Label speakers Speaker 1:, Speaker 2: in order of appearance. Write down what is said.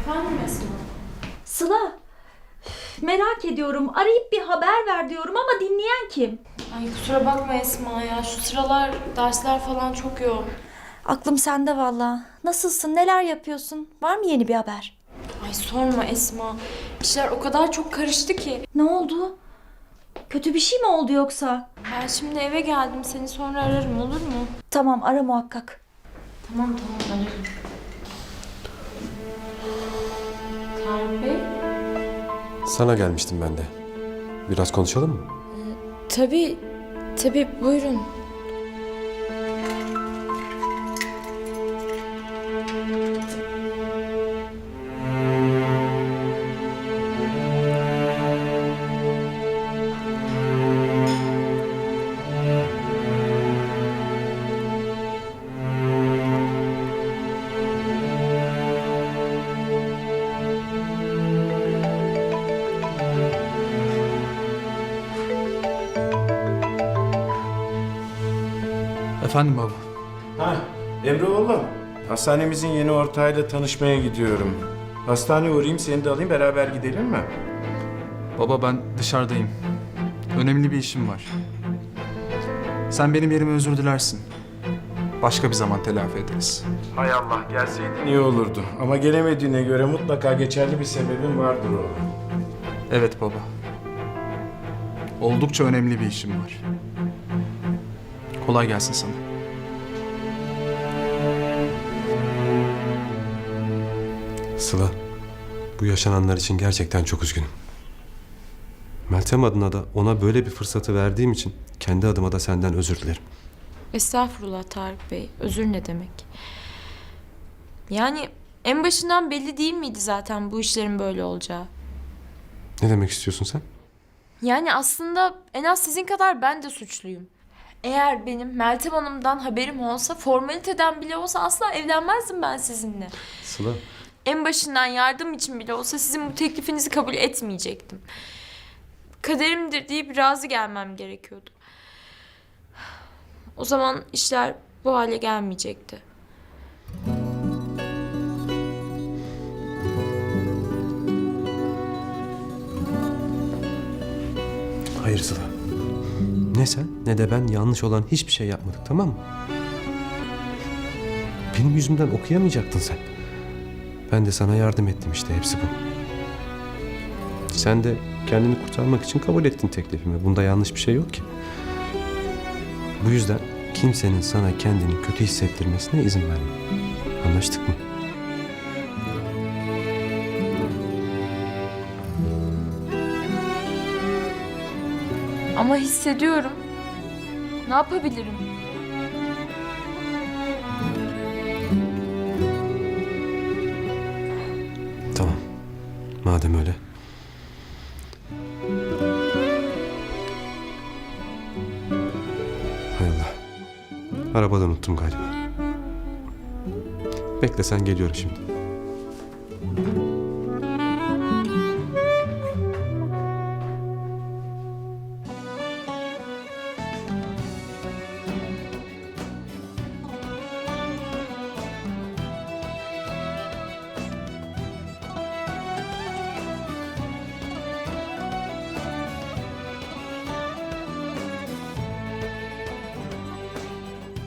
Speaker 1: Efendim Esma?
Speaker 2: Sıla, merak ediyorum. Arayıp bir haber ver diyorum ama dinleyen kim?
Speaker 1: Ay kusura bakma Esma ya. Şu sıralar dersler falan çok yoğun.
Speaker 2: Aklım sende valla. Nasılsın, neler yapıyorsun? Var mı yeni bir haber?
Speaker 1: Ay sorma Esma. İşler o kadar çok karıştı ki.
Speaker 2: Ne oldu? Kötü bir şey mi oldu yoksa?
Speaker 1: Ben şimdi eve geldim. Seni sonra ararım, olur mu?
Speaker 2: Tamam, ara muhakkak.
Speaker 1: Tamam ararım. Tarık Bey?
Speaker 3: Sana gelmiştim ben de. Biraz konuşalım mı?
Speaker 1: Tabii buyurun.
Speaker 4: Efendim baba.
Speaker 5: Ha, Emre oğlum. Hastanemizin yeni ortağıyla tanışmaya gidiyorum. Hastaneye uğrayayım, seni de alayım, beraber gidelim mi?
Speaker 4: Baba ben dışarıdayım. Önemli bir işim var. Sen benim yerime özür dilersin. Başka bir zaman telafi ederiz.
Speaker 5: Hay Allah, gelseydin iyi olurdu. Ama gelemediğine göre mutlaka geçerli bir sebebin vardır oğlum.
Speaker 4: Evet baba. Oldukça önemli bir işim var. Kolay gelsin sana.
Speaker 3: Sıla, bu yaşananlar için gerçekten çok üzgünüm. Meltem adına da ona böyle bir fırsatı verdiğim için kendi adıma da senden özür dilerim.
Speaker 1: Estağfurullah Tarık Bey. Özür ne demek? Yani en başından belli değil miydi zaten bu işlerin böyle olacağı?
Speaker 3: Ne demek istiyorsun sen?
Speaker 1: Yani aslında en az sizin kadar ben de suçluyum. Eğer benim Meltem Hanım'dan haberim olsa, formaliteden bile olsa asla evlenmezdim ben sizinle.
Speaker 3: Sıla,
Speaker 1: En başından yardım için bile olsa sizin bu teklifinizi kabul etmeyecektim. Kaderimdir deyip razı gelmem gerekiyordu. O zaman işler bu hale gelmeyecekti.
Speaker 3: hayır Sıla. Ne sen ne de ben yanlış olan hiçbir şey yapmadık, tamam mı? Benim yüzümden okuyamayacaktın sen. Ben de sana yardım ettim, işte hepsi bu. Sen de kendini kurtarmak için kabul ettin teklifimi. Bunda yanlış bir şey yok ki. Bu yüzden kimsenin sana kendini kötü hissettirmesine izin verme. Anlaştık mı?
Speaker 1: Ama hissediyorum. Ne yapabilirim?
Speaker 3: Tamam. Madem öyle. Hay Allah. Arabada unuttum galiba. Bekle sen, geliyorum şimdi.